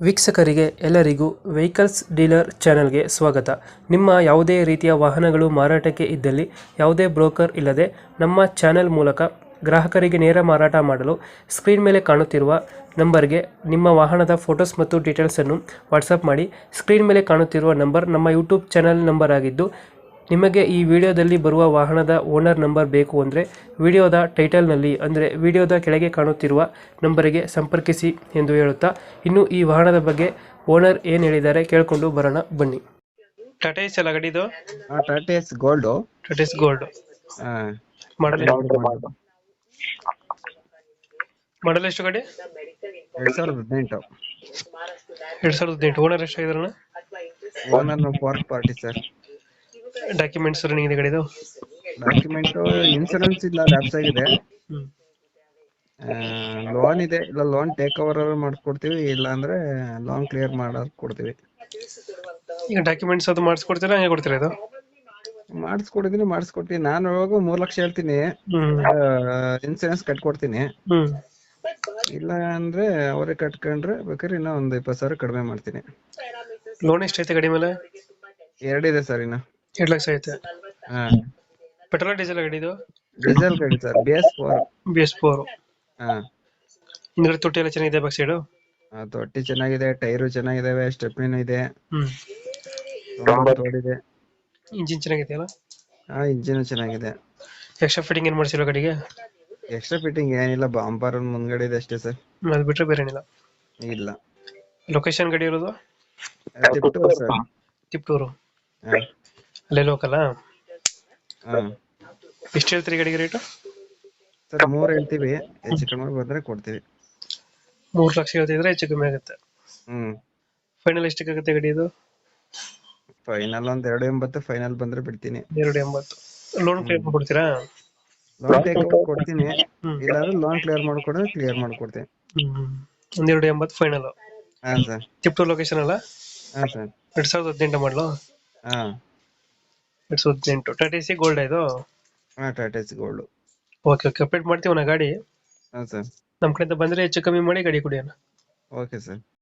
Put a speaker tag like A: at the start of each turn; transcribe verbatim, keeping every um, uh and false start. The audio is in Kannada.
A: ವೀಕ್ಷಕರಿಗೆ ಎಲ್ಲರಿಗೂ ವೆಹಿಕಲ್ಸ್ ಡೀಲರ್ ಚಾನೆಲ್ಗೆ ಸ್ವಾಗತ. ನಿಮ್ಮ ಯಾವುದೇ ರೀತಿಯ ವಾಹನಗಳು ಮಾರಾಟಕ್ಕೆ ಇದ್ದಲ್ಲಿ ಯಾವುದೇ ಬ್ರೋಕರ್ ಇಲ್ಲದೆ ನಮ್ಮ ಚಾನೆಲ್ ಮೂಲಕ ಗ್ರಾಹಕರಿಗೆ ನೇರ ಮಾರಾಟ ಮಾಡಲು ಸ್ಕ್ರೀನ್ ಮೇಲೆ ಕಾಣುತ್ತಿರುವ ನಂಬರ್ಗೆ ನಿಮ್ಮ ವಾಹನದ ಫೋಟೋಸ್ ಮತ್ತು ಡೀಟೇಲ್ಸನ್ನು ವಾಟ್ಸಪ್ ಮಾಡಿ. ಸ್ಕ್ರೀನ್ ಮೇಲೆ ಕಾಣುತ್ತಿರುವ ನಂಬರ್ ನಮ್ಮ ಯೂಟ್ಯೂಬ್ ಚಾನೆಲ್ ನಂಬರ್ ಆಗಿದ್ದು, ನಿಮಗೆ ಈ ವಿಡಿಯೋದಲ್ಲಿ ಬರುವ ವಾಹನದ ಓನರ್ ನಂಬರ್ ಬೇಕು ಅಂದರೆ ವಿಡಿಯೋದ ಟೈಟಲ್ನಲ್ಲಿ ಅಂದರೆ ವಿಡಿಯೋದ ಕೆಳಗೆ ಕಾಣುತ್ತಿರುವ ನಂಬರಿಗೆ ಸಂಪರ್ಕಿಸಿ ಎಂದು ಹೇಳುತ್ತಾ, ಇನ್ನು ಈ ವಾಹನದ ಬಗ್ಗೆ ಓನರ್ ಏನು ಹೇಳಿದ್ದಾರೆ ಕೇಳಿಕೊಂಡು ಬರೋಣ ಬನ್ನಿ. ಟಾಟಾ ಎಸ್ ಎಲ್ಲ ಗಾಡಿದು?
B: Tata Ace gold.
A: Tata Ace gold model model ಎಷ್ಟು ಗಾಡಿ?
B: ಎರಡ್ ಸಾವಿರದ ಹದಿನೆಂಟು.
A: ಎರಡ್ ಸಾವಿರದ ಹದಿನೆಂಟು. ಓನರ್ ಎಷ್ಟಾಗಿದಾರಣ?
B: Owner fourth party sir.
A: Documents running ಇದೆ ಗಾಡಿದು?
B: ಡಾಕ್ಯುಮೆಂಟ್ ಇನ್ಸೂರೆನ್ಸ್ ಇಲ್ಲ, ಲ್ಯಾಪ್ಸ್ ಆಗಿದೆ. ಲೋನ್ ಇದೆ, ಇಲ್ಲ ಲೋನ್ ಟೇಕ್ ಓವರ್ ಮಾಡ್ಕೊಡ್ತೀವಿ, ಇಲ್ಲ ಅಂದ್ರೆ ಲೋನ್ ಕ್ಲಿಯರ್ ಮಾಡಕ್ ಕೊಡ್ತೀವಿ.
A: ಈಗ ಡಾಕ್ಯುಮೆಂಟ್ಸ್ ಅದು ಮಾಡಿಸ್ಕೊಡ್ತೀರಾ, ಹಂಗೆ ಕೊಡ್ತೀರಾ? ಇದು
B: ಮಾಡಿಸ್ಕೊಡಿದೀನಿ, ಮಾಡಿಸ್ಕೊಡ್ತೀನಿ. ನಾನು ಇವಾಗ ಮೂರ್ ಲಕ್ಷ ಹೇಳ್ತೀನಿ, ಇನ್ಸೂರೆನ್ಸ್ ಕಟ್ಕೊಡ್ತೀನಿ.
A: ಹ್ಮ್
B: ಇಲ್ಲ ಅಂದ್ರೆ ಅವರೇ ಕಟ್ಕೊಂಡ್ರೆ ಬೇಕಾದ್ರೆ ಇನ್ನ ಒಂದ್ ಇಪ್ಪತ್ತು ಸಾವಿರ ಕಡಿಮೆ ಮಾಡ್ತೀನಿ.
A: ಲೋನ್ ಎಷ್ಟೈತೆ ಗಾಡಿ ಮೇಲೆ?
B: ಎರಡಿದೆ ಸರ್. ಇನ್ನ
A: ಎರಡು ಲಕ್ಷ ಐತೆ.
B: ಹಾ,
A: ಪೆಟ್ರೋಲ್ ಡೀಸೆಲ್ ಗಾಡಿ ಇದು?
B: ಡೀಸೆಲ್ ಗಾಡಿ sir, B S four.
A: B S four.
B: ಹಾ,
A: ಹಿಂದ್ಗಡೆ ತೊಟ್ಟಿ ಎಲ್ಲ ಚೆನ್ನಾಗಿದೆ, ಬ್ಯಾಕ್ ಸೈಡು?
B: ತೊಟ್ಟಿ ಚೆನ್ನಾಗಿದೆ, ಟೈರು ಚೆನ್ನಾಗಿದಾವೆ, ಸ್ಟೆಪ್ನಿನೂ ಇದೆ,
A: ಹ್ಮ್
B: ತೋಡಿದೆ.
A: ಇಂಜಿನ್ ಚೆನ್ನಾಗಿದೆಯಲ್ಲ?
B: ಹಾ, ಇಂಜಿನ್ ಚೆನ್ನಾಗಿದೆ.
A: ಎಕ್ಸ್ಟ್ರಾ ಫಿಟ್ಟಿಂಗ್ ಏನು ಮಾಡಿಸಿಲ್ಲ ಗಾಡಿಗೆ?
B: ಎಕ್ಸ್ಟ್ರಾ ಫಿಟ್ಟಿಂಗ್ ಏನಿಲ್ಲ, ಬಾಂಪರ್ ಮುಂದ್ಗಡೆ ಇದೆ ಅಷ್ಟೇ ಸರ್.
A: ಅದು ಬಿಟ್ರೆ ಬೇರೆ ಏನಿಲ್ಲ?
B: ಇಲ್ಲ.
A: ಲೊಕೇಶನ್ ಗಾಡಿ ಇರೋದು?
B: ತಿಪ್ಟೂರು ಸರ್.
A: ತಿಪ್ಟೂರು
B: ಹಾ,
A: ಅಲ್ಲೇ ಲೋಕಲ್?
B: ಹಾ
A: ಎಷ್ಟು ಹೇಳ್ತೀರಿ ಗಾಡಿಗೆ ರೇಟು?
B: ಸರ್ ಮೂರ್ ಹೇಳ್ತೀವಿ, ಹೆಚ್ಚು ಕಡಿಮೆ ಬಂದ್ರೆ ಕೊಡ್ತೀವಿ.
A: ಮೂರು ಲಕ್ಷ ಹೇಳ್ತಿದ್ರೆ ಹೆಚ್ಚು ಕಮ್ಮಿ ಆಗುತ್ತೆ.
B: ಹ್ಮ್
A: ಫೈನಲ್ ಎಷ್ಟಕ್ಕೆ ಆಗುತ್ತೆ ಗಾಡಿ ಇದು?
B: ಫೈನಲ್ ಒಂದ್ ಎರಡು ಎಂಬತ್ತು ಫೈನಲ್ ಬಂದ್ರೆ ಬಿಡ್ತೀನಿ.
A: ಎರಡು ಎಂಬತ್ತು. ಲೋನ್ ಕ್ಲಿಯರ್ ಮಾಡ್ಕೊಡ್ತೀರಾ?
B: ಲೋನ್ ಟೇಕ್ ಓವರ್ ಕೊಡ್ತೀನಿ,
A: ಹ್ಮ್.
B: ಇಲ್ಲಾಂದ್ರೆ ಲೋನ್ ಕ್ಲಿಯರ್ ಮಾಡ್ಕೊಡ್ರೆ ಕ್ಲಿಯರ್ ಮಾಡ್ಕೊಡ್ತೀನಿ.
A: ಹ್ಮ್ ಒಂದ್ ಎರಡು ಎಂಬತ್ತು ಫೈನಲ್.
B: ಹಾ ಸರ್.
A: ತಿಪ್ಟೂರು ಲೊಕೇಶನ್ ಅಲ್ಲ?
B: ಹಾ ಸರ್.
A: ಎರಡ್ ಸಾವಿರದ ಹದಿನೆಂಟು ಮಾಡಲು?
B: ಹಾ,
A: ಎರಡ್ ಸಾವಿರದ ಹದಿನೆಂಟು. ಟಾಟಾ ಎಸಿ ಗೋಲ್ಡ್ ಇದು?
B: ಹಾ, Tata Ace gold.
A: Okay okay, update ಮಾಡ್ತೀವಿ ನಾ ಗಾಡಿ.
B: ಹಾ ಸರ್.
A: ನಮ್ ಕಡೆಯಿಂದ ಬಂದ್ರೆ ಹೆಚ್ಚು ಕಮ್ಮಿ ಮಾಡಿ ಗಾಡಿ ಕೊಡಿ ಅಣ್ಣ.
B: Okay sir.